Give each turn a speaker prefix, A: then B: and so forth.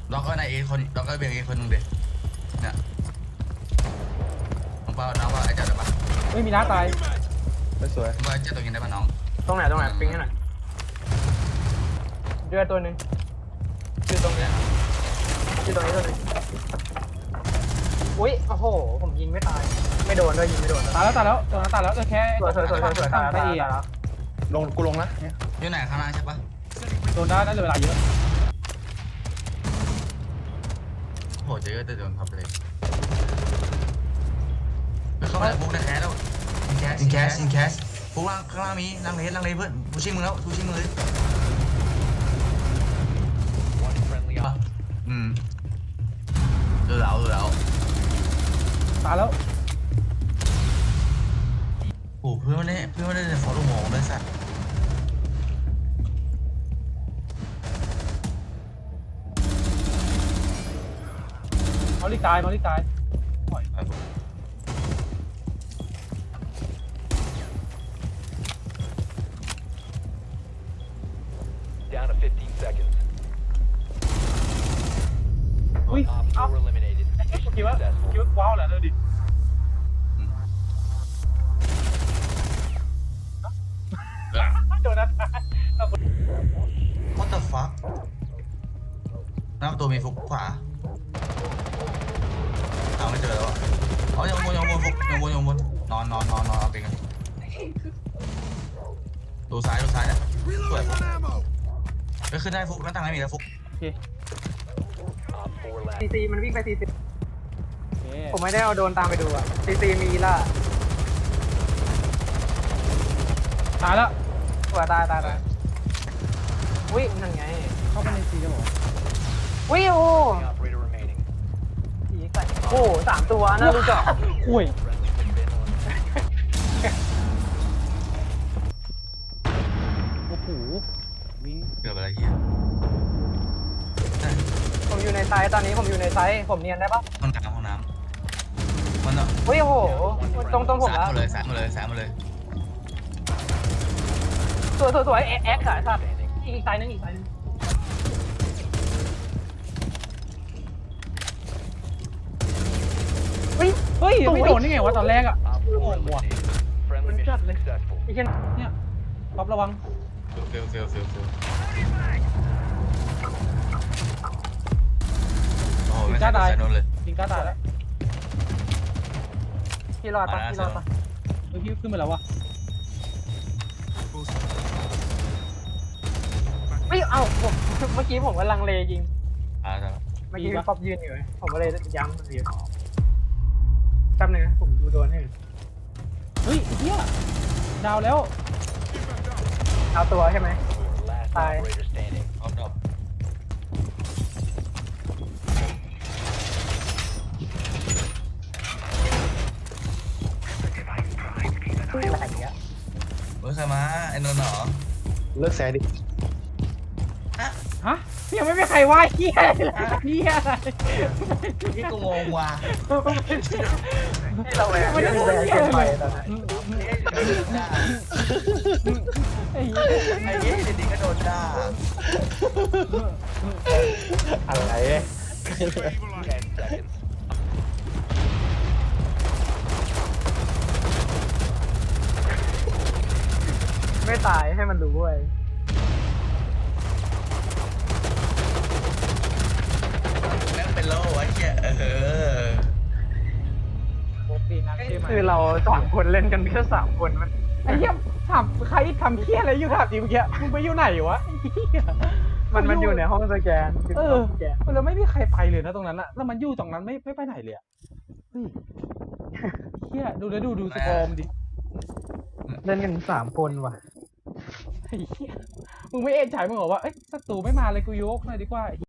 A: ล็อกก็ในเอคนล็อกก็เบียงเอคนนึงเด็เนี่ยน้องเปาน้องว่าไอ้เจ้าได้ปะ
B: ไม่มีน้าตาย
C: ไม่สวย
A: น้องว่าไอ้เจ้าตัวกินได้ปะน้อง
D: ตรงไหนปิ้งให้หน่อยเจอตัวหนึ่งอยู่ตรงนี้ตัวหนึ่งอุ้ยโอ้โหผมยิงไม่ตายไม่โดนด้วยยิงไม่โดน
B: ตายแล้วตัวนั้นตายแล้วแค่
D: สวยตายแล้ว
C: กูลงนะเนี่ย
A: อยู่ไหนข้างล่างใช่ปะ
B: โดนได้น่าจะเวลาเยอะ
A: โหจะเยอะแต่โดนทับเลยเข้ามาฟุกได้แคสแล้วอินแคสฟุกล่างข้างล่างมีล่างเลเพื่อนฟูชิ่งมึงแล้วฟูชิ่งมึงเลยเออเอา
B: ตายแล้ว
A: โอ้เพื่อนไม่ได้ฟอลโล่โมงเลยสัตว์
B: มอลลี่ตาย
A: ปล่อยไป
E: Down to 15 seconds.
B: อุ้ย
E: Op 4 eliminated.
B: คิดว่าว้าวแหละเลยดิโดนนะ
A: What the fuck หน้าประตูมีฟุกขวาเอาไม่เจอแล้วอ่ะอ๋อยังวนฟุกยังวนนอนเอาไปกันดูซ้ายเนี่ยสวยฟุกก็ขึ้นได้ฟุกหน้าต่างไม่มีแล้วฟุก
B: โอเค
E: Op 4 last.
D: ซีมันวิ่งไปซีผมไม่ได้เอาโดนตามไปดูอ่ะซีมีล่ะ
B: ตายแล้ว
D: ตัวตายอุ้ยนั่นไง
B: เข้าไปในซีจะบอก
D: อุ้ยโอ้
E: Operator remaining.
D: ผีใส่โอ้3ตัวน่ารู้จัก
B: อุ้ย โอ้โหวิ่ง
A: เกือบอะไรเฮีย
D: ผมอยู่ในไซต์ตอนนี้ผมอยู่ในไซต์ผมเนียนได้ปะ
A: ห้องน้ำมันเนาะ
D: อุ้ยโอ้โหตรงผมแล้ว
A: สายมาเลย
D: สวยแอ็กซ์ขายสัตว์อีกไซต์นึงเฮ้ย
B: ไม่โดนได้ไงวะตอนแรกอ่ะ
E: Op 4 eliminated. Friendly mission successful.
D: ไอ้เช่น
B: เนี่ยป๊อประวัง
A: เฟลโอ้โหไม่ใช่สายนนเลย
B: จริงกล้าตายแล้ว
D: พี่รอดปะ
B: เฮ้ยพี่ขึ้นมาแล้ววะ
D: ไม่เอาผมเมื่อกี้ผมก็ลังเลยิง
A: แล้ว
D: เมื่อกี้ป๊อปยืนอยู่ผมก็เลยย้ำเรียนแป๊บนึงนะผมดูโดนให้
B: เฮ้ยเฮียดาวแล้ว
D: เอาตัวใช่ไหม
E: Last
D: Bye.
E: operator standing.
A: พร้อมดอก
D: อะไรอย่างเงี้ย
A: ใครมาไอ้นนท์เหรอ
C: เลิกแซดิ
B: ฮะยังไม่มีใครว่าเฮียเลยเฮียอะไร
A: ที่กูงงว่ะ
D: ให้เราเลยไม่ได้แรงเกินไปตอนนั้น
B: ไอ้เหี้ย
A: ไอ้ยี่ดีๆก็โดนด่า
C: อะไร
E: 10 seconds.
D: ไม่ตายให้มันรู้เว้ย
A: แม่งเป็นโล่ไอ้เหี้ย
B: โอเคนะใช่ไหม
D: คือเรา3 คนเล่นกันแค่3 คนมัน
B: ไอ้เหี้ยถามใครทำเฮียอะไรอยู่ถามจริงเมื่อกี้มึงไปอยู่ไหนวะ
D: มันอยู่ในห้องสแกน
B: แล้วไม่มีใครไปเลยนะตรงนั้นอะแล้วมันอยู่ตรงนั้นไม่ไปไหนเลยอะเฮ้ยเฮียดูสกอร์มดิ
D: เล่นกัน3 คนว่ะ
B: ไอ้เหี้ยมึงไม่เอ็นใจมึงเหรอว่าเอ้ยศัตรูไม่มาเลยกูยกหน่อยดีกว่า